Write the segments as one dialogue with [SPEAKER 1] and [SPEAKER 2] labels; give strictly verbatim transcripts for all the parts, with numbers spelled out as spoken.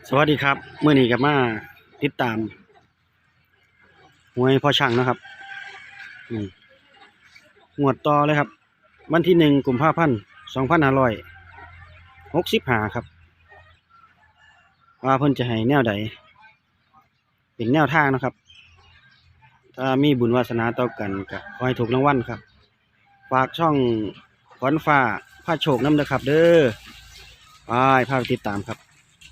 [SPEAKER 1] สวัสดีครับเมื่อนี้กับมาติดตามหวยพ่อช่างนะครับอืมงวดต่อเลยครับวันที่หนึ่งกุมภาพันธ์สองพันห้าร้อยหกสิบห้าครับว่าเพิ่นจะให้แนวใดเป็นแนวทางนะครับถ้ามีบุญวาสนาต่อกันก็ขอให้ถูกรางวัลครับฝากช่องขวัญฟ้าพาโชคนำเด้อครับ เด้อไปพาไปติดตามครับ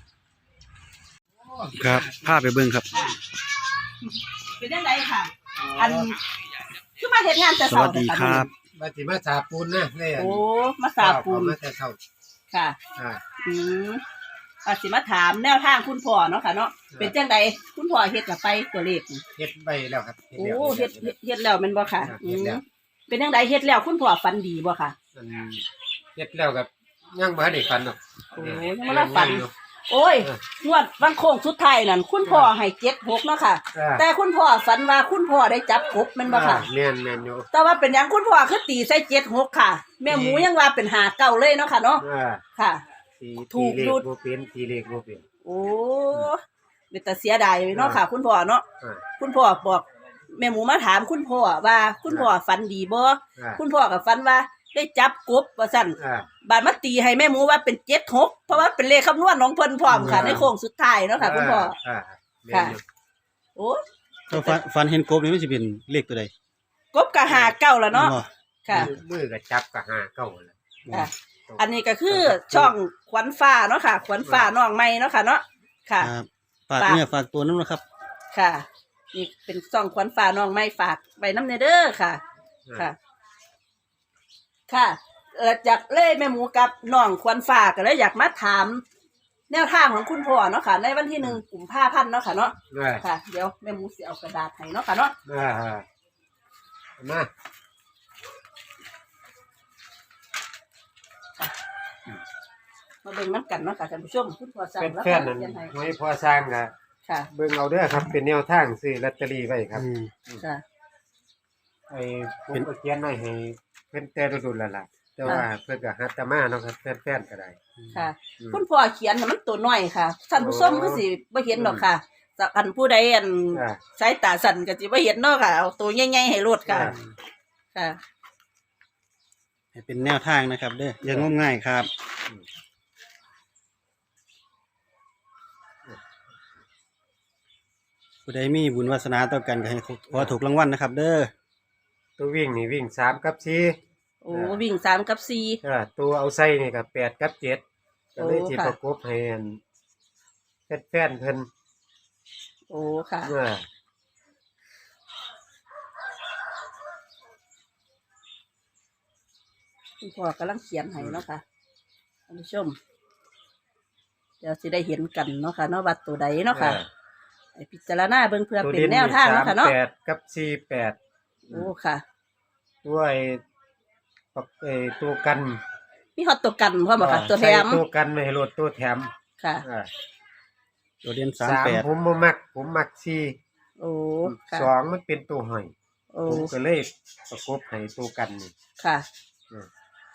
[SPEAKER 1] ครับพาไปเบิ่งครับ
[SPEAKER 2] เป็นยังไงค่ะอันคือมาเห็นงานแต่
[SPEAKER 1] ส
[SPEAKER 2] เช้า
[SPEAKER 1] วัสดีครับ
[SPEAKER 3] มาสิมาสาปูนนะเนี่ย
[SPEAKER 2] โอ้มาสาปูน
[SPEAKER 3] มาแต่เช้า
[SPEAKER 2] ค่ะ
[SPEAKER 3] อ่า
[SPEAKER 2] อืมอาสิมาถามแนวทางคุณพ่อเนาะค่ะเนาะเป็นจังไดคุณพ่อเฮ็ดกับไปตัวเลข
[SPEAKER 3] เฮ็ดใบแล้วครับ
[SPEAKER 2] โอ้เฮ็ดเฮ็ดเฮ็ดแล้วแม่นบ่ค่ะอื
[SPEAKER 3] เฮ็ด
[SPEAKER 2] ม
[SPEAKER 3] แล้ว
[SPEAKER 2] เป็นจังไดเฮ็ดแล้วคุณพ่อฝันดีบ่ค่ะ
[SPEAKER 3] มันเฮ็ดแล้วกับยังบ่ได้ฟันหรอก
[SPEAKER 2] โอ้ยังบ่ได้ฝัน โอ้ยงวดวันโค้งสุดท้ายนั่นคุณพ่อให้เจ็ดหกเนาะค่ะ แต่คุณพ่อฝันว่าคุณพ่อได้จับกบแม่นบ่ค่ะ
[SPEAKER 3] แม่นแม่นอยู่
[SPEAKER 2] แต่ว่าเป็นหยังคุณพ่อคือตีใส่เจ็ดหกค่ะ แม่หมูยังว่าเป็นหาเก้าเลยเนาะค่ะเนาะ
[SPEAKER 3] อ่า
[SPEAKER 2] ค่ะ
[SPEAKER 3] ตี
[SPEAKER 2] ถู
[SPEAKER 3] ตี
[SPEAKER 2] ก
[SPEAKER 3] เล
[SPEAKER 2] หยุ
[SPEAKER 3] ข
[SPEAKER 2] ด
[SPEAKER 3] บ่เป็นตีเลขบ่เป็น
[SPEAKER 2] โอ้เป็นแต่เสียดายเนาะค่ะ คุณพ่อเนาะ
[SPEAKER 3] อ่า
[SPEAKER 2] คุณพ่อบอกแม่หมูมาถามคุณพ่อว่าคุณพ่อฝันดีบ่
[SPEAKER 3] อ่า
[SPEAKER 2] คุณพ่อก็ฝันว่าได้จับกบว่าซั่น
[SPEAKER 3] อ่า
[SPEAKER 2] บาดมาตีให้แม่หมูว่าเป็นเจ็ดหกเพราะว่าเป็นเลขคำนวณของเพิ่นพร้อมค่ะ
[SPEAKER 3] อ่า
[SPEAKER 2] ในโค้งสุดท้ายเนาะค่ะ คุณพ่อ
[SPEAKER 3] อ่าแม่นอยู่
[SPEAKER 2] โอ้
[SPEAKER 1] ถ้าฟันฟันเห็นกบนี่มันจะเป็นเลขตัวใด
[SPEAKER 2] กบก็หาเก้าแล้วเนาะค่ะ
[SPEAKER 3] มือมือก็จับก็หาเก้าแล้ว
[SPEAKER 2] ค่ะ อันนี้ก็คือช่องขวัญฟ้าเนาะค่ะ ขวัญฟ้าน้องใหม่เนาะค่ะเนาะค่ะ
[SPEAKER 1] ครับฝากเนี่ยฝากตัวน้ำนะครับ
[SPEAKER 2] ค่ะ นี่เป็นช่องขวัญฟ้าน้องใหม่ฝากไว้น้ำเนเด้อค่ะ ค่ะ ค่ะเออจากเล่แม่หมูกับน้องขวัญฟ้าก็เลยอยากมาถาม แนวทางของคุณพ่อเนาะค่ะ ในวันที่หนึ่งกุมภาพันธ์เนาะค่ะเนาะ
[SPEAKER 3] อ่า
[SPEAKER 2] ค่ะ เดี๋ยวแม่หมูสิเอากระดาษให้เนาะค่ะเนาะ
[SPEAKER 3] อ่าอ่ามา
[SPEAKER 2] มาเบิ่งน้ำกันเนาะค่ะท่านผู้ชมคุณพ่อสั่ง
[SPEAKER 3] เป็น
[SPEAKER 2] แล้ว
[SPEAKER 3] แฟ
[SPEAKER 2] ค่ะ
[SPEAKER 3] นนั่น
[SPEAKER 2] เขียนให้
[SPEAKER 3] ไว้พอสร้างก็
[SPEAKER 2] ค่ะ
[SPEAKER 3] เบิ่งเอาเด้อครับเป็นแนวทางซื้อลอตเตอรี่ไว้ครับ
[SPEAKER 1] อืม
[SPEAKER 2] ค่ะ
[SPEAKER 3] ไอ้ผมก็เขียนไว้ให้เพิ่นแต่ดุลแล้วล่ะแต่ว่าเพิ่นก็ฮัตตามาเนาะครับแฟนๆก็ได้
[SPEAKER 2] ค่ะ
[SPEAKER 3] อืม
[SPEAKER 2] คุณพ่อเขียนน่ะมันตัวน้อยค่ะท่านผู้ชมก็สิบ่เห็นหรอกค่ะจากอันผู้ใดอัน
[SPEAKER 3] อ่า
[SPEAKER 2] สายตาสั่นก็สิบ่เห็นเนาะค่ะเอาตัวใหญ่ๆให้รดค่ะ
[SPEAKER 3] อ่า
[SPEAKER 2] ค่ะ
[SPEAKER 1] ให้เป็นแนวทางนะครับ เด้ออย่างงมง่ายครับผู้ใดมีบุญวาสนาต่อกันก็ให้ขอถูกรางวัลนะครับ เด้อ
[SPEAKER 3] ตัววิ่งนี่วิ่งสามกับสี่
[SPEAKER 2] โอ้วิ่งสามกับสี่
[SPEAKER 3] อ่าตัวเอาใส่นี่ก็แปดกับเจ็ดก็เลย
[SPEAKER 2] โอ้
[SPEAKER 3] สิ
[SPEAKER 2] ค่ะ
[SPEAKER 3] ประกบให้อันแฟนๆเพิ่น
[SPEAKER 2] โอ้ค่ะ
[SPEAKER 3] อ่า
[SPEAKER 2] คุณพ่อกำลังเขียนให้เนาะค่ะท่านผู้ชม เดี๋ยวสิได้เห็นกันเนาะค่ะเนาะวัดตัวใดเนาะค่ะไอ้พิจารณาเบิ่งเพื่อ
[SPEAKER 3] ตัว
[SPEAKER 2] เป็น
[SPEAKER 3] เด่น
[SPEAKER 2] แนวทางเนาะค่ะเนาะ
[SPEAKER 3] แปดกับสี่แปด
[SPEAKER 2] โอ้ค่ะ
[SPEAKER 3] ตัวไอ้ปักไอ้ตัวกัน
[SPEAKER 2] มีฮอตตัวกันพร้อมบ่ค่ะ ตัวแถม
[SPEAKER 3] ใส่ตัวกันไม่ให้รถตัวแถม
[SPEAKER 2] ค่ะ
[SPEAKER 3] อ่า
[SPEAKER 1] ตัวเด่นสาม
[SPEAKER 3] สาม
[SPEAKER 1] แปด
[SPEAKER 3] ผมบ่มัก ผมมักสี่
[SPEAKER 2] โอ้ค่ะ
[SPEAKER 3] สองมันเป็นตัวหอย
[SPEAKER 2] โอ้
[SPEAKER 3] ผมก็เลยประกบให้ตัวกันนี่
[SPEAKER 2] ค่ะ
[SPEAKER 3] อืม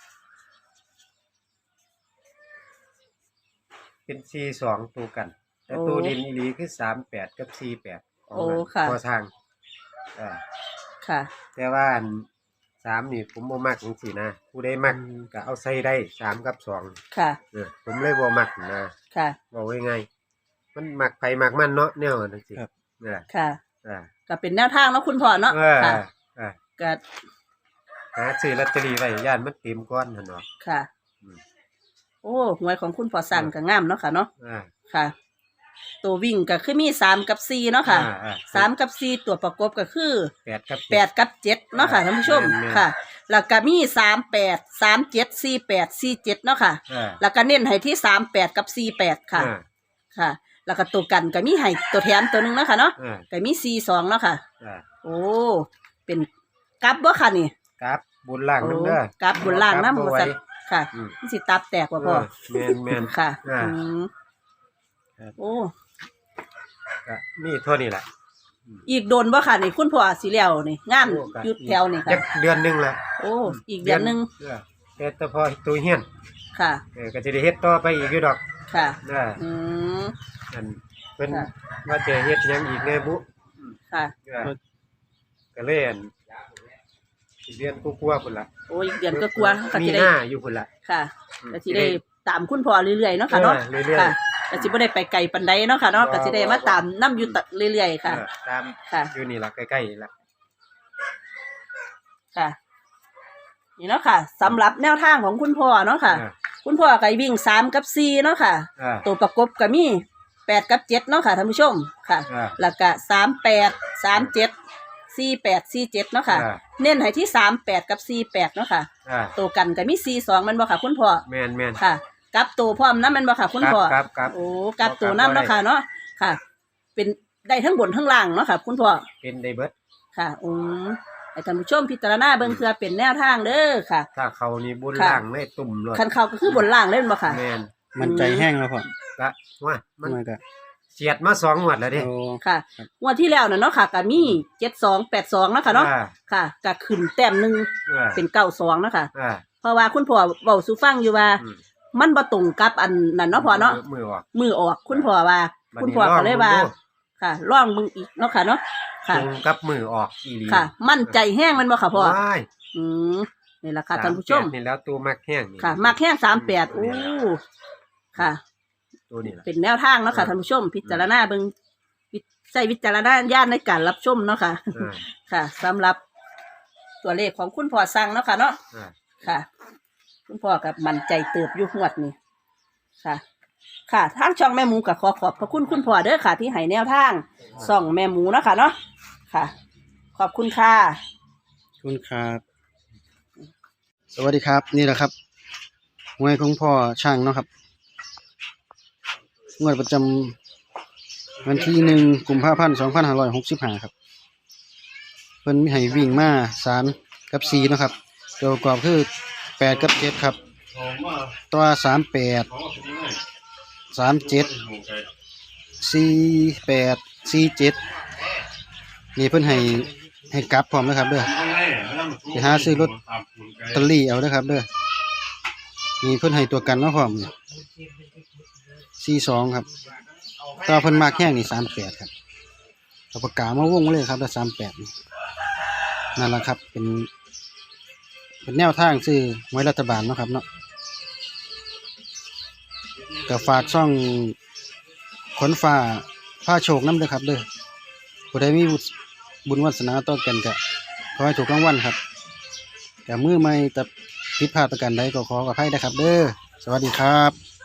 [SPEAKER 3] เป็นสี่สองตัวกัน แต่
[SPEAKER 2] โอ้
[SPEAKER 3] ตัวดินอีหลีคือสามแปดกับสี่แปด
[SPEAKER 2] โอ้ค่ะ
[SPEAKER 3] พอทางอ่า
[SPEAKER 2] ค่ะ
[SPEAKER 3] แต่ว่าอันสามนี่ผมบ่มักจังซี่นะผู้ใดมักก็เอาใส่ได้สามกับสอง
[SPEAKER 2] ค่ะ
[SPEAKER 3] เออผมเลยบ่มักนะ
[SPEAKER 2] ค่ะ
[SPEAKER 3] บอกไว้ไงมันมักไผมักมันเนาะแนวนั้นสิ
[SPEAKER 1] ครับ
[SPEAKER 3] อ่า
[SPEAKER 2] ค่ะ
[SPEAKER 3] อ่า
[SPEAKER 2] ก็เป็นแนวทางเนาะคุณพ่อเนาะ
[SPEAKER 3] เออ
[SPEAKER 2] ค่ะ
[SPEAKER 3] อ่า
[SPEAKER 2] ก็
[SPEAKER 3] หาซื้อลอตเตอรี่ไว้ย่านมันเต็มก้อนหั่นเนาะ
[SPEAKER 2] ค่ะ
[SPEAKER 3] อืม
[SPEAKER 2] โอ้หวยของคุณพ่อสั่งก็งามเนาะค่ะเนาะ
[SPEAKER 3] อ่า
[SPEAKER 2] ค่ะ ตัววิ่งก็คือมีสามกับสี่เนาะค่ะ
[SPEAKER 3] อ่าอ่า
[SPEAKER 2] สามกับสี่ตัวประกบก็คือ
[SPEAKER 3] แปดกับ
[SPEAKER 2] แปดกับเจ็ดเนาะค่ะท่านผู้ชม
[SPEAKER 3] แม่นๆ
[SPEAKER 2] ค่ะ แล้วก็มีสามแปดสามเจ็ดสี่แปดสี่เจ็ดเนาะค่ะ
[SPEAKER 3] อ่า
[SPEAKER 2] แล้วก็เน้นให้ที่สามแปดกับสี่แปดค่ะ
[SPEAKER 3] อ่า
[SPEAKER 2] ค่ะ แล้วก็ตัวกันก็มีให้ตัวแถมตัวหนึงเนาะค่ะเนาะ
[SPEAKER 3] อ่า
[SPEAKER 2] ก็มีสี่สองเนาะค่ะ
[SPEAKER 3] อ่า
[SPEAKER 2] โอ้ เป็นกลับบ่ค่ะนี่
[SPEAKER 3] ครับบนล่าง
[SPEAKER 2] โอ้
[SPEAKER 3] นำเด้อก
[SPEAKER 2] ลับบนล่างน้ำ
[SPEAKER 3] บ่
[SPEAKER 2] มัน
[SPEAKER 3] ไหว
[SPEAKER 2] สั่นค่ะ
[SPEAKER 3] อืม
[SPEAKER 2] มันสิตับแตกว่าพ่อ
[SPEAKER 3] เออแม่นๆ
[SPEAKER 2] ค่ะ
[SPEAKER 3] อ่า
[SPEAKER 2] อืม
[SPEAKER 1] ครับ
[SPEAKER 2] โอ้
[SPEAKER 3] ก็มีเท่านี้แหละ
[SPEAKER 2] อีกโดนบ่ค่ะนี่คุณพ่อสิแล้วนี่งาน
[SPEAKER 3] โอ้ก็
[SPEAKER 2] หยุดแถวนี่
[SPEAKER 3] จั
[SPEAKER 2] ค่ะ
[SPEAKER 3] กเดือนหนึงละ
[SPEAKER 2] โอ้ อีกเดือนหนึง
[SPEAKER 3] เออแต่แต่พอตัวเฮียน
[SPEAKER 2] ค่ะ
[SPEAKER 3] เออก็จะได้เฮ็ดต่อไปอีกอยู่ดอก
[SPEAKER 2] ค่ะ
[SPEAKER 3] น่ะ
[SPEAKER 2] อืม
[SPEAKER 3] อันเพิ่น
[SPEAKER 2] ค่ะ
[SPEAKER 3] ว่าจะเฮ็ดหยังอีกแน่บุ
[SPEAKER 2] ค่ะ
[SPEAKER 3] ก็ก็เลยอันสิเรียนกลัวๆพุ่นล่ะ
[SPEAKER 2] โอ้ยเดือนก็กลัวก็
[SPEAKER 3] มี
[SPEAKER 2] สิได้
[SPEAKER 3] หน้าอยู่พุ่นล่ะ
[SPEAKER 2] ค่ะ
[SPEAKER 3] อืม
[SPEAKER 2] ก็สิได้ตามคุณพ่อเรื่อยๆเนาะค่ะเนาะ
[SPEAKER 3] เออเรื่อยๆ
[SPEAKER 2] ค่ะก็สิบ่ได้ไปไกลปานใดเนาะค่ะเนาะ
[SPEAKER 3] บ่
[SPEAKER 2] ก็สิได้มาตามนํอยู่ตะเรื่อยๆค่ะ
[SPEAKER 3] เออตาม
[SPEAKER 2] ค่ะ
[SPEAKER 3] อยู่นี่ล่ะใกล้ๆนี่ล่ะ
[SPEAKER 2] ค่ะ นี่เนาะค่ะสำหรับแนวทางของคุณพ่อเนาะค่ะ
[SPEAKER 3] เออ
[SPEAKER 2] คุณพ่อก็วิ่งสามกับสี่เนาะค่ะ
[SPEAKER 3] เออ
[SPEAKER 2] ตัวประกบก็มีแปดกับเจ็ดเนาะค่ะท่านผู้ชมค่ะ
[SPEAKER 3] อ่า
[SPEAKER 2] แล้วก็สามแปดสามเจ็ดสี่แปดสี่เจ็ดเนาะค่ะ
[SPEAKER 3] อ่า
[SPEAKER 2] เน้นให้ที่สามแปดกับสี่แปดเนาะค่ะ
[SPEAKER 3] อ่า
[SPEAKER 2] ตัวกันก็มีสี่สองมันบ่ค่ะ คุณพ่อ
[SPEAKER 3] แม่นแม่น
[SPEAKER 2] ค่ะกลับตัวพร้อมน้ำมันบ่ค่ะคุณพ่อ
[SPEAKER 3] ครับครับ
[SPEAKER 2] โอ้กลับตัวน้ำเนาะค่ะเนาะค่ะ เป็นได้ทั้งบนทั้งล่างเนาะค่ะ คุณพ่อ
[SPEAKER 3] เป็นได้เบิด
[SPEAKER 2] ค่ะอืมให้ท่านผู้ชมพิจารณาเบิ่งเพื่อเป็นแนวทางเด้อค่ะ
[SPEAKER 3] ถ้าเขานี่บุญ
[SPEAKER 2] ค่ะ
[SPEAKER 3] ล่างเลยตุ่มเลย
[SPEAKER 2] คันเขาก็คือบนล่างเล่นบ่ค่ะ
[SPEAKER 3] แม่น
[SPEAKER 1] มันใจแห้งแล้วพ่อ
[SPEAKER 3] ละว่ามัน
[SPEAKER 1] มันก็
[SPEAKER 3] เฉียดมาสองงวดแล้วเดิ
[SPEAKER 1] โอ้
[SPEAKER 2] ค่ะงวดที่แล้วน่ะเนาะค่ะก็มีเจ็ดสองแปดสองเนาะค่ะเนาะ
[SPEAKER 3] อ่า
[SPEAKER 2] ค่ะก็ขึ้นแต้มหนึ่ง
[SPEAKER 3] อ่า
[SPEAKER 2] เป็นเก้าสองเนาะค่ะ
[SPEAKER 3] อ่า
[SPEAKER 2] เพราะว่าคุณพ่อเว้าสู่ฟังอยู่ว่า
[SPEAKER 3] อืม
[SPEAKER 2] มันบ่ตรงกับอันนั้นเนาะพ่อเนาะ
[SPEAKER 3] มือออก
[SPEAKER 2] มือออกคุณพ่อว่า
[SPEAKER 3] บัดนี้
[SPEAKER 2] คุณพ่อก็เลยว่า
[SPEAKER 3] ลองดู
[SPEAKER 2] ค่ะล่องมึงอีกเนาะค่ะเนาะค่ะ
[SPEAKER 3] ตรงกับมือออกอีหลี
[SPEAKER 2] ค่ะ มั่นใจแห้งมันบ่ค่ะพ่อ
[SPEAKER 3] ว้าย
[SPEAKER 2] อืมนี่แหละค่ะท่านผู้ชม
[SPEAKER 3] สแปดนี่แล้วตัวมักแห้งนี่
[SPEAKER 2] ค่ะมักแห้งสามแปดโอ้ค่ะ
[SPEAKER 3] ตัวนี้ล่ะ
[SPEAKER 2] เป็นแนวทางเนาะค่ะท่านผู้ชม พิจารณาเบิ่งวิใช้วิจารณญาณในการรับชมเนาะค่ะ
[SPEAKER 3] อ่า
[SPEAKER 2] ค่ะสำหรับตัวเลขของคุณพ่อสั่งเนาะค่ะเนาะ
[SPEAKER 3] อ่า
[SPEAKER 2] ค่ะ คุณพ่อกับมันใจเติบอยู่หวดนี่ค่ะ ค่ะทางช่องแม่หมูกับขอขอบพระคุณคุณพ่อเด้อค่ะ ที่ให้แนวทางส่องแม่หมูเนาะค่ะเนาะค่ะ ขอบคุณค่ะ
[SPEAKER 1] ขอบคุณครับ สวัสดีครับ นี่แหละครับหวยของพ่อช่างเนาะครับงวดประจำวันที่หนึ่งกุมภาพันธ์สองพันห้าร้อยหกสิบห้าครับเพิ่นมีให้วิ่งมาสามกับสี่เนาะครับตัวประกอบคือแปดกับเจ็ดครับ ตัวสามแปดสามเจ็ดสี่แปดสี่เจ็ดนี่เพิ่นให้ให้กลับพร้อมนะครับเด้อไปหาซื้อรถลอตเตอรี่เอาเด้อครับเด้อนี่เพิ่นให้ตัวกันเนาะพร้อมเนี่ยสี่สองครับตัวเพิ่นมากแห้งนี่สามแปดครับเอาปากกามาวงเลยครับแล้วสามแปดนี่นั่นแหละครับเป็น เป็นแนวทางซื้อหวยรัฐบาลเนาะครับเนาะก็ฝากช่องขนฟ้าผ้าโชคนำเด้อครับเด้อผู้ใดมีบุญวาสนาต่อกันก็ขอให้ถูกรางวัลครับแต่มือใหม่แต่ผิดพลาดประการใดก็ขออภัยนะครับเด้อสวัสดีครับ